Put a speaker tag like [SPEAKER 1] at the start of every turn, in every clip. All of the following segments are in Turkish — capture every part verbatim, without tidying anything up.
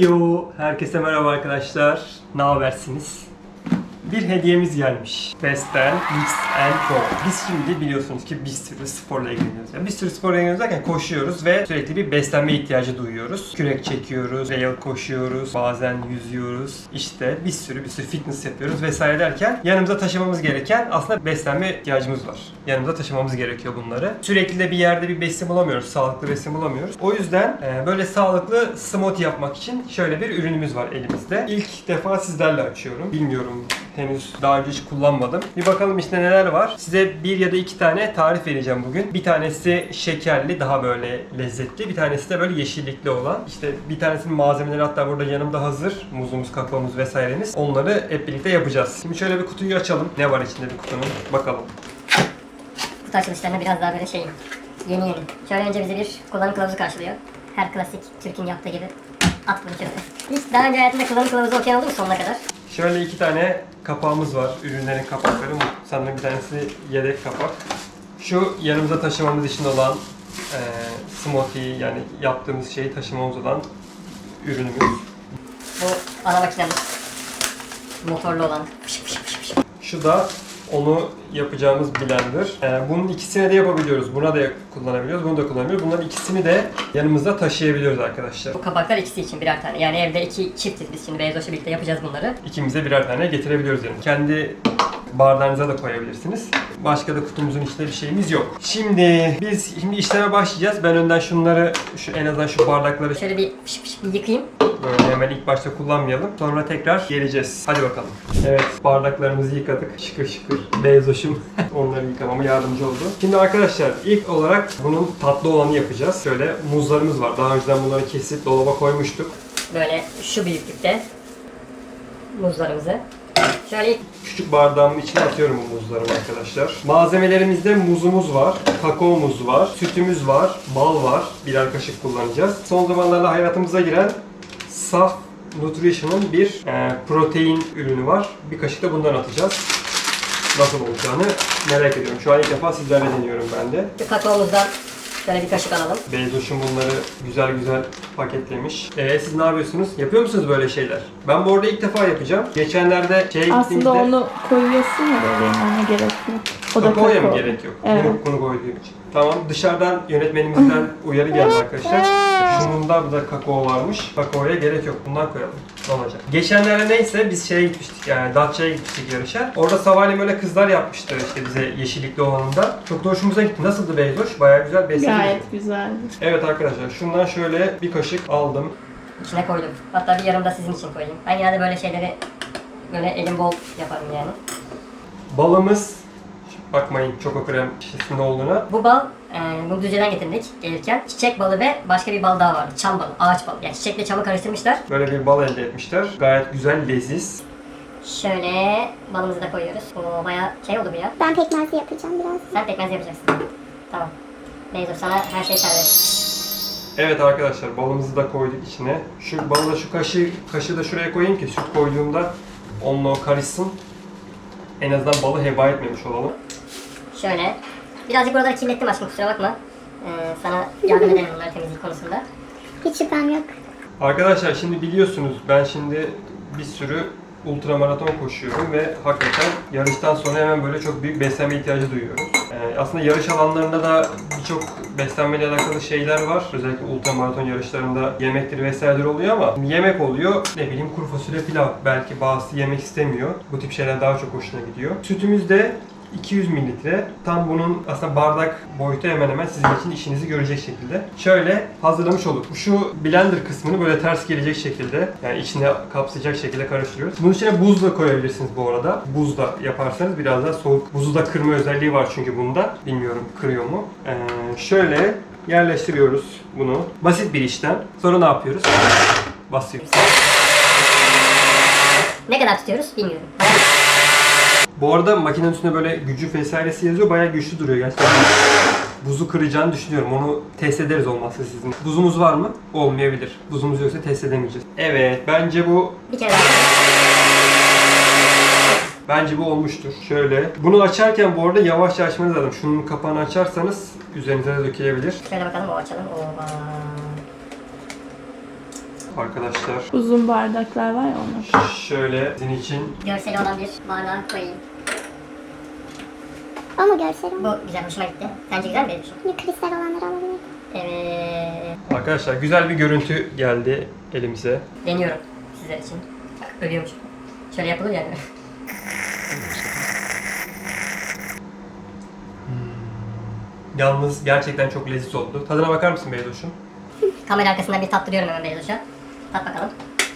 [SPEAKER 1] Heyo, herkese merhaba arkadaşlar. Ne habersiniz? Bir hediyemiz gelmiş. Best'ten Mix and Pro. Biz şimdi biliyorsunuz ki bir sürü sporla ilgileniyoruz. Yani bir sürü sporla ilgileniyoruz derken koşuyoruz ve sürekli bir beslenme ihtiyacı duyuyoruz. Kürek çekiyoruz, rail koşuyoruz, bazen yüzüyoruz. İşte bir sürü bir sürü fitness yapıyoruz vesaire derken yanımıza taşımamız gereken aslında beslenme ihtiyacımız var. Yanımıza taşımamız gerekiyor bunları. Sürekli de bir yerde bir besin bulamıyoruz, sağlıklı besin bulamıyoruz. O yüzden böyle sağlıklı smoothie yapmak için şöyle bir ürünümüz var elimizde. İlk defa sizlerle açıyorum. Bilmiyorum, henüz daha önce hiç kullanmadım. Bir bakalım işte neler var. Size bir ya da iki tane tarif vereceğim bugün. Bir tanesi şekerli, daha böyle lezzetli. Bir tanesi de böyle yeşillikli olan. İşte bir tanesinin malzemeleri hatta burada yanımda hazır. Muzumuz, kakaomuz vesairemiz. Onları hep birlikte yapacağız. Şimdi şöyle bir kutuyu açalım. Ne var içinde bir kutunun? Bakalım.
[SPEAKER 2] Kutu açılışlarına biraz daha böyle şey, yeni yeni. Şöyle önce bizi bir kullanım kılavuzu karşılıyor. Her klasik Türk'ün yaptığı gibi. At bunu şöyle. Hiç daha önce hayatında kullanım kılavuzu okuyan oldu mu sonuna kadar?
[SPEAKER 1] Şöyle iki tane kapağımız var. Ürünlerin kapakları. Sanırım bir tanesi yedek kapak. Şu yanımıza taşımamız için olan e, smoothie, yani yaptığımız şeyi taşımamız olan ürünümüz.
[SPEAKER 2] Bu ana makinemiz. Motorlu olan. Fış fış fış fış.
[SPEAKER 1] Şu da onu yapacağımız blender. Ee, bunun ikisini de yapabiliyoruz. Buna da kullanabiliyoruz, bunu da kullanabiliyoruz. Bunların ikisini de yanımızda taşıyabiliyoruz arkadaşlar.
[SPEAKER 2] Bu kapaklar ikisi için birer tane. Yani evde iki çiftiz biz şimdi Beyzoş'la birlikte yapacağız bunları.
[SPEAKER 1] İkimize birer tane getirebiliyoruz yanımıza. Kendi bardağınıza da koyabilirsiniz. Başka da kutumuzun içinde bir şeyimiz yok. Şimdi biz şimdi işleme başlayacağız. Ben önden şunları, şu en azından şu bardakları
[SPEAKER 2] Şöyle bir fış fış bir yıkayayım.
[SPEAKER 1] böyle hemen ilk başta kullanmayalım. Sonra tekrar geleceğiz. Hadi bakalım. Evet, bardaklarımızı yıkadık. Şıkır şıkır. Beyzoş'um onları yıkamama yardımcı oldu. Şimdi arkadaşlar ilk olarak bunun tatlı olanı yapacağız. Şöyle muzlarımız var. Daha önceden bunları kesip dolaba koymuştuk.
[SPEAKER 2] Böyle şu büyüklükte muzlarımızı. Şöyle
[SPEAKER 1] Küçük bardağımın içine atıyorum bu muzlarımı arkadaşlar. Malzemelerimizde muzumuz var, kakaomuz var, sütümüz var, bal var. Birer kaşık kullanacağız. Son zamanlarda hayatımıza giren Saf Nutrition'ın bir e, protein ürünü var. Bir kaşık da bundan atacağız. Nasıl olacağını merak ediyorum. Şu an ilk defa sizlerle deniyorum ben de.
[SPEAKER 2] şu kakaomuzdan şöyle bir kaşık alalım.
[SPEAKER 1] Beyzoş'um bunları güzel güzel paketlemiş. Ee, siz ne yapıyorsunuz? Yapıyor musunuz böyle şeyler? Ben bu arada ilk defa yapacağım. Geçenlerde şeye gittiğimizde...
[SPEAKER 3] Aslında onu koyuyorsun ya böyle yani gerek yok. O da
[SPEAKER 1] Kakaoya
[SPEAKER 3] kakao.
[SPEAKER 1] mı gerek yok?
[SPEAKER 3] Evet.
[SPEAKER 1] Bunu, bunu koyduğum için. Tamam, dışarıdan yönetmenimizden uyarı geldi arkadaşlar. Şununda da kakao varmış. Kakaoya gerek yok. Bundan koyalım. Ne olacak? Geçenlerde neyse biz şeye gitmiştik, yani Datça'ya gitmiştik yarışa. Orada sabahleyin böyle kızlar yapmıştı işte bize yeşillikli olanında. Çok da hoşumuza gitti. Nasıldı Beyzoş? Bayağı güzel besledi.
[SPEAKER 3] Gayet güzeldi.
[SPEAKER 1] Evet arkadaşlar, şundan şöyle bir kaşık aldım.
[SPEAKER 2] İçine koydum. Hatta bir yarım da sizin için koyayım. Ben genelde böyle şeyleri böyle elim bol yaparım yani.
[SPEAKER 1] Balımız, bakmayın çoko krem şişesinde olduğuna.
[SPEAKER 2] Bu bal, e, bunu Düzce'den getirdik gelirken. Çiçek balı ve başka bir bal daha vardı. Çam balı, ağaç balı. Yani çiçekle çamı karıştırmışlar.
[SPEAKER 1] Böyle bir bal elde etmişler. Gayet güzel, leziz.
[SPEAKER 2] Şöyle balımızı da koyuyoruz. Oo, bayağı şey oldu bu ya.
[SPEAKER 4] Ben pekmezli yapacağım biraz.
[SPEAKER 2] Sen pekmez yapacaksın. Tamam. Beyzo sana her şey serbest.
[SPEAKER 1] Evet arkadaşlar, balımızı da koyduk içine. Şu balı da şu kaşığı, kaşığı da şuraya koyayım ki süt koyduğumda onunla o karışsın. En azından balı heba etmemiş olalım.
[SPEAKER 2] Şöyle. Birazcık buraları kirlettim aşkım, kusura bakma. Ee, sana yardım ederim bunları temizlik konusunda.
[SPEAKER 4] Hiç şüphem yok.
[SPEAKER 1] Arkadaşlar şimdi biliyorsunuz ben şimdi bir sürü ultramaraton koşuyorum ve hakikaten yarıştan sonra hemen böyle çok büyük beslenme ihtiyacı duyuyorum. Ee, aslında yarış alanlarında da birçok beslenmeyle alakalı şeyler var. Özellikle ultramaraton yarışlarında yemektir vesairedir oluyor ama yemek oluyor, ne bileyim kuru fasulye pilav. Belki bazısı yemek istemiyor. Bu tip şeyler daha çok hoşuna gidiyor. Sütümüz de iki yüz mililitre. Tam bunun aslında bardak boyutu hemen hemen sizin için işinizi görecek şekilde. Şöyle hazırlamış olduk. Şu blender kısmını böyle ters gelecek şekilde, yani içine kapsayacak şekilde karıştırıyoruz. Bunun içine buz da koyabilirsiniz bu arada. Buz da yaparsanız biraz daha soğuk. Buzu da kırma özelliği var çünkü bunda. Bilmiyorum kırıyor mu. Ee, şöyle yerleştiriyoruz bunu. Basit bir işlem. Sonra ne yapıyoruz? Basıyoruz.
[SPEAKER 2] Ne kadar tutuyoruz bilmiyorum.
[SPEAKER 1] Bu arada makinenin üstünde böyle gücü vesairesi yazıyor. Bayağı güçlü duruyor gerçekten. Buzu kıracağını düşünüyorum. Onu test ederiz olmazsa sizin. Buzumuz var mı? Olmayabilir. Buzumuz yoksa test edemeyeceğiz. Evet, bence bu
[SPEAKER 2] Bir kere daha.
[SPEAKER 1] bence bu olmuştur. Şöyle. Bunu açarken bu arada yavaşça açmanız lazım. Şunun kapağını açarsanız üzerinize de dökülebilir.
[SPEAKER 2] Şöyle bakalım, o açalım. Oba.
[SPEAKER 1] Arkadaşlar
[SPEAKER 3] Uzun bardaklar var ya onlar.
[SPEAKER 1] şöyle sizin için
[SPEAKER 2] Görseli olan bir bardağa koyayım.
[SPEAKER 4] Ama görsel
[SPEAKER 2] Bu
[SPEAKER 4] ama.
[SPEAKER 2] güzel, hoşuma gitti. Sence güzel mi benim için?
[SPEAKER 4] Hani kristal olanları alabilir.
[SPEAKER 2] Evet.
[SPEAKER 1] arkadaşlar güzel bir görüntü geldi elimize.
[SPEAKER 2] Deniyorum sizler için. Bak, ölüyormuş. Şöyle yapılır yani.
[SPEAKER 1] Yalnız gerçekten çok leziz oldu. Tadına bakar mısın Beydoş'um?
[SPEAKER 2] Kamera arkasından bir tattırıyorum hemen Beyzoş'a. Tat bakalım.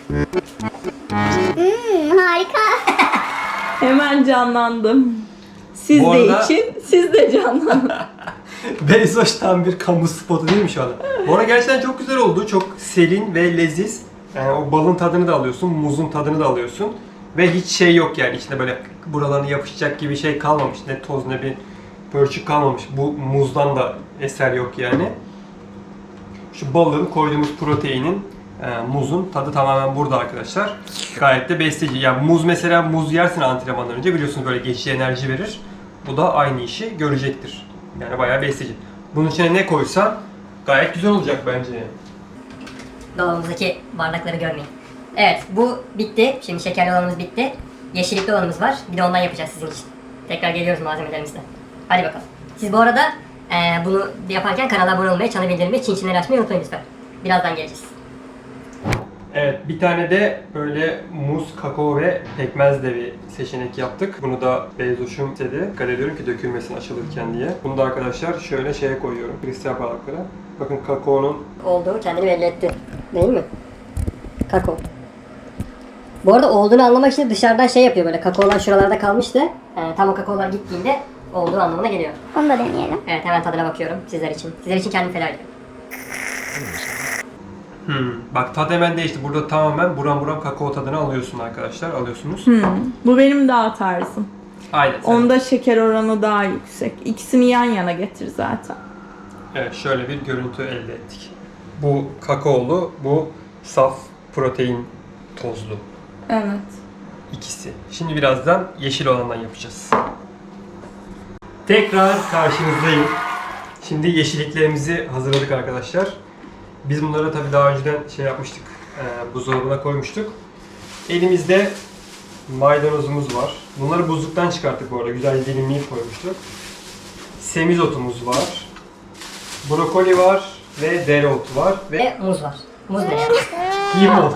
[SPEAKER 4] Hmm, harika.
[SPEAKER 3] Hemen canlandım. Siz
[SPEAKER 1] Bu
[SPEAKER 3] de
[SPEAKER 1] arada-
[SPEAKER 3] için, siz de canlanın.
[SPEAKER 1] Beyzoş tam bir kamu spotu değil mi şu anda? Bu arada gerçekten çok güzel oldu. Çok serin ve leziz. Yani o balın tadını da alıyorsun, muzun tadını da alıyorsun. Ve hiç şey yok yani içinde böyle buralarına yapışacak gibi şey kalmamış. Ne toz ne bir pörçük kalmamış. Bu muzdan da eser yok yani. Şu balın koyduğumuz proteinin, e, muzun tadı tamamen burada arkadaşlar. Gayet de besleyici. Yani muz mesela muz yersin antrenmandan önce biliyorsunuz böyle geçici enerji verir. Bu da aynı işi görecektir. Yani bayağı besleyici. Bunun içine ne koysan gayet güzel olacak bence.
[SPEAKER 2] Dolabımızdaki bardakları görmeyin. Evet, bu bitti. Şimdi şekerli olanımız bitti. Yeşillikli olanımız var. Bir de ondan yapacağız sizin için. Tekrar geliyoruz malzemelerimizle. Hadi bakalım. Siz bu arada e, bunu yaparken kanala abone olmayı, çanı bildirimleri, çin çinleri açmayı unutmayın lütfen. Birazdan geleceğiz.
[SPEAKER 1] Evet, bir tane de böyle muz, kakao ve pekmez de bir seçenek yaptık. Bunu da Beyzoş'um istedi. Dikkat ediyorum ki dökülmesin açılırken diye. Bunu da arkadaşlar şöyle şeye koyuyorum. Kristal bardaklara. Bakın kakaonun
[SPEAKER 2] Olduğu kendini belli etti. Değil mi? Kakao. Bu arada olduğunu anlamak için dışarıdan şey yapıyor böyle. Kakaolar şuralarda kalmıştı. Yani tam o kakaolar gittiğinde olduğu anlamına geliyor.
[SPEAKER 4] Onu da deneyelim.
[SPEAKER 2] Evet, hemen tadına bakıyorum sizler için. Sizler için kendimi feda ediyorum.
[SPEAKER 1] Hmm. Bak tat hemen değişti. Burada tamamen buram buram kakao tadını alıyorsun arkadaşlar. Alıyorsunuz.
[SPEAKER 3] Hmm, bu benim daha tarzım.
[SPEAKER 1] Aynen. sen-
[SPEAKER 3] Onda şeker oranı daha yüksek. İkisini yan yana getir zaten.
[SPEAKER 1] Evet şöyle bir görüntü elde ettik. Bu kakaolu, bu saf protein tozlu.
[SPEAKER 3] Evet.
[SPEAKER 1] İkisi. Şimdi birazdan yeşil olandan yapacağız. Tekrar karşınızdayım. Şimdi yeşilliklerimizi hazırladık arkadaşlar. Biz bunları tabii daha önceden şey yapmıştık. E, buzdolabına koymuştuk. Elimizde maydanozumuz var. Bunları buzluktan çıkarttık bu arada. Güzel dilimleyip koymuştuk. Semizotumuz var. Brokoli var ve dereotu var ve
[SPEAKER 2] Ve muz var. Muz ne ya?
[SPEAKER 1] limon.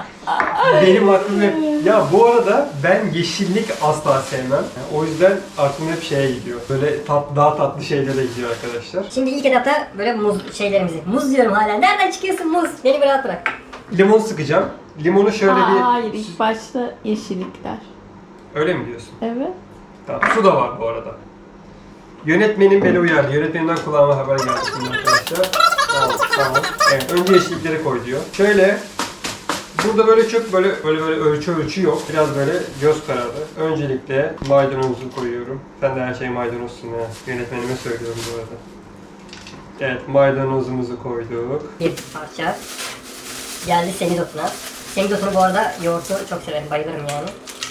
[SPEAKER 1] Benim aklım hep... Ya bu arada ben yeşillik asla sevmem. Yani o yüzden aklım hep şeye gidiyor. Böyle tat, daha tatlı şeylere gidiyor arkadaşlar.
[SPEAKER 2] Şimdi ilk etapta böyle muz şeylerimizi. Muz diyorum hala. Nereden çıkıyorsun muz? Beni bir rahat bırak.
[SPEAKER 1] Limon sıkacağım. Limonu şöyle
[SPEAKER 3] Aa,
[SPEAKER 1] bir...
[SPEAKER 3] hayır, ilk başta yeşillikler.
[SPEAKER 1] Öyle mi diyorsun?
[SPEAKER 3] Evet.
[SPEAKER 1] Tamam. Su da var bu arada. Yönetmenim beni uyardı. Yönetmenimden kulağıma haber geldi şimdi arkadaşlar. Tamam, tamam. Evet, önce yeşillikleri koy diyor. Şöyle... Burada böyle çok böyle böyle böyle ölçü ölçü yok. Biraz böyle göz kararı. Öncelikle maydanozu koyuyorum. Sen de her şey maydanozsun ya. Yönetmenime söylüyorum bu arada. Evet, maydanozumuzu koyduk.
[SPEAKER 2] Bir parça. Geldi semizotuna. Semizotunu bu arada yoğurtu çok severim. Bayılırım yani.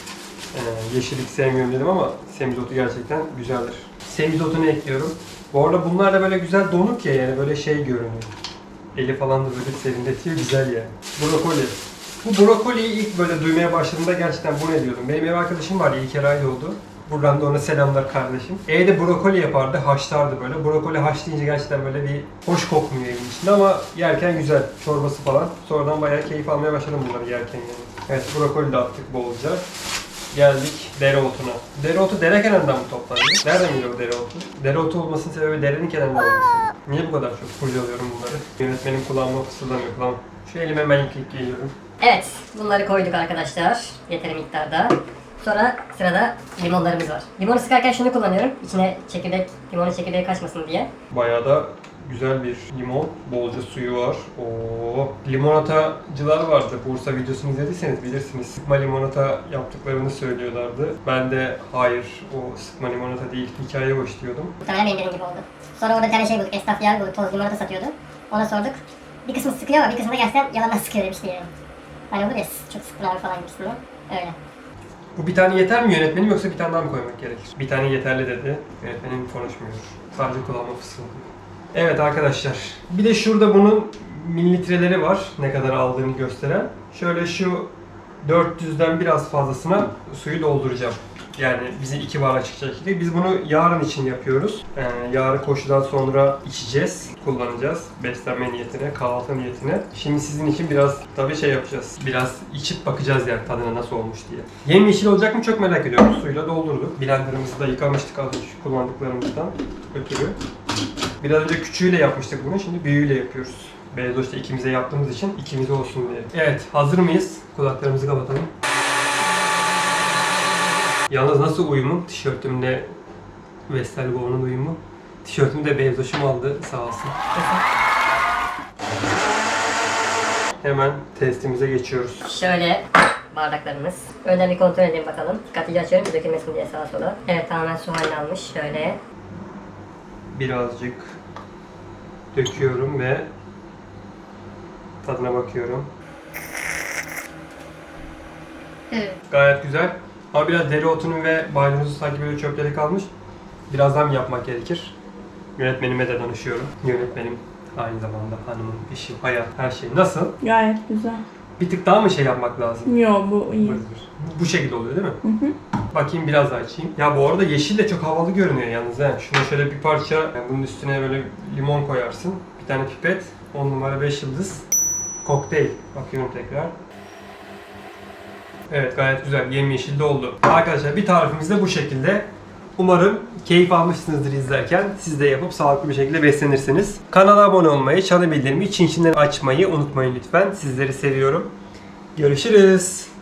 [SPEAKER 1] Ee, yeşillik sevmiyorum dedim ama semizotu gerçekten güzeldir. Semizotunu ekliyorum. Bu arada bunlar da böyle güzel donuk ya yani böyle şey görünüyor. Eli falan da böyle serinletiyor, güzel yani. Brokoli. Bu brokoliyi ilk böyle duymaya başladığımda gerçekten bu ne diyordum. Benim ev arkadaşım var, İlker Aydoğdu. Buradan da ona selamlar kardeşim. Evde brokoli yapardı, haşlardı böyle. Brokoli haşlayınca gerçekten böyle bir hoş kokmuyor evin içinde ama yerken güzel. Çorbası falan. Sonradan bayağı keyif almaya başladım bunları yerken yani. Evet, brokoli de attık bolca. Geldik dereotuna. Dereotu dere kenarından mı toplanıyor? Nereden geliyor o dereotu? Dereotu olmasının sebebi derenin kenarında olması. Niye bu kadar çok kurcalıyorum bunları? Yönetmenim kulağıma fısıldamıyor. Kulağım. Şu elime hemen ilk ilk geliyorum.
[SPEAKER 2] Evet, bunları koyduk arkadaşlar. Yeteri miktarda. Sonra sırada limonlarımız var. Limonu sıkarken şunu kullanıyorum. İçine çekirdek, limonun çekirdeği kaçmasın diye.
[SPEAKER 1] Bayağı da güzel bir limon. Bolca suyu var. Oo. Limonatacılar vardı. Bursa videosunu izlediyseniz bilirsiniz. Sıkma limonata yaptıklarını söylüyorlardı. Ben de hayır o sıkma limonata değil hikaye hoş diyordum.
[SPEAKER 2] Muhtemelen benim dediğim gibi oldu. Sonra orada bir tane şey bulduk. Esnaf yer bulduk. Toz limonata satıyordu. Ona sorduk. Bir kısmı sıkıyor ama bir kısmı da gerçekten yalandan sıkıyor demişti yani. Hani olur ya çok sıktın abi falan gibisinden. Öyle.
[SPEAKER 1] Bu bir tane yeter mi yönetmenim yoksa bir tane daha mı koymak gerekir? Bir tane yeterli dedi. Yönetmenim konuşmuyor. Sadece kulağıma fısıldıyor. Evet arkadaşlar. Bir de şurada bunun mililitreleri var ne kadar aldığını gösteren. Şöyle şu dört yüzden biraz fazlasına suyu dolduracağım. Yani bize iki bardak çıkacak şekilde. Biz bunu yarın için yapıyoruz. Ee, yarın koşudan sonra içeceğiz, kullanacağız. Beslenme niyetine, kahvaltı niyetine. Şimdi sizin için biraz tabii şey yapacağız. Biraz içip bakacağız yani tadına nasıl olmuş diye. Yemyeşil olacak mı çok merak ediyorum. Suyla doldurduk. Blenderımızı da yıkamıştık az önce kullandıklarımızdan ötürü. Biraz önce küçüğüyle yapmıştık bunu. Şimdi büyüğüyle yapıyoruz. Beyaz işte ikimize yaptığımız için ikimize olsun diye. Evet, hazır mıyız? Kulaklarımızı kapatalım. Yalnız nasıl uyumu? Tişörtümle Vestelgo'nun uyumu. Tişörtümü de Beyzoş'um aldı sağ olsun. Hemen testimize geçiyoruz.
[SPEAKER 2] Şöyle bardaklarımız. Önden bir kontrol edelim bakalım. Dikkatlice açıyorum ki dökülmesin diye sağa sola. Evet, tamamen su haline almış. Şöyle.
[SPEAKER 1] Birazcık döküyorum ve tadına bakıyorum.
[SPEAKER 2] Evet.
[SPEAKER 1] Gayet güzel. Ama biraz dereotunun ve maydanozu sanki böyle çöpleri kalmış. Birazdan yapmak gerekir. Yönetmenime de danışıyorum. Yönetmenim aynı zamanda hanımım, eşim, hayat, her şey. Nasıl?
[SPEAKER 3] Gayet güzel.
[SPEAKER 1] Bir tık daha mı şey yapmak lazım?
[SPEAKER 3] Yo, bu iyi.
[SPEAKER 1] Bu, bu şekilde oluyor değil mi?
[SPEAKER 3] Hı hı.
[SPEAKER 1] Bakayım biraz daha açayım. Ya bu arada yeşil de çok havalı görünüyor yalnız he. Şuna şöyle bir parça, yani bunun üstüne böyle limon koyarsın. Bir tane pipet, on numara beş yıldız. Kokteyl. Bakıyorum tekrar. Evet, gayet güzel. Yemyeşil de oldu. Arkadaşlar bir tarifimiz de bu şekilde. Umarım keyif almışsınızdır izlerken. Siz de yapıp sağlıklı bir şekilde beslenirsiniz. Kanala abone olmayı, çan bildirimleri, çin çinleri açmayı unutmayın lütfen. Sizleri seviyorum. Görüşürüz.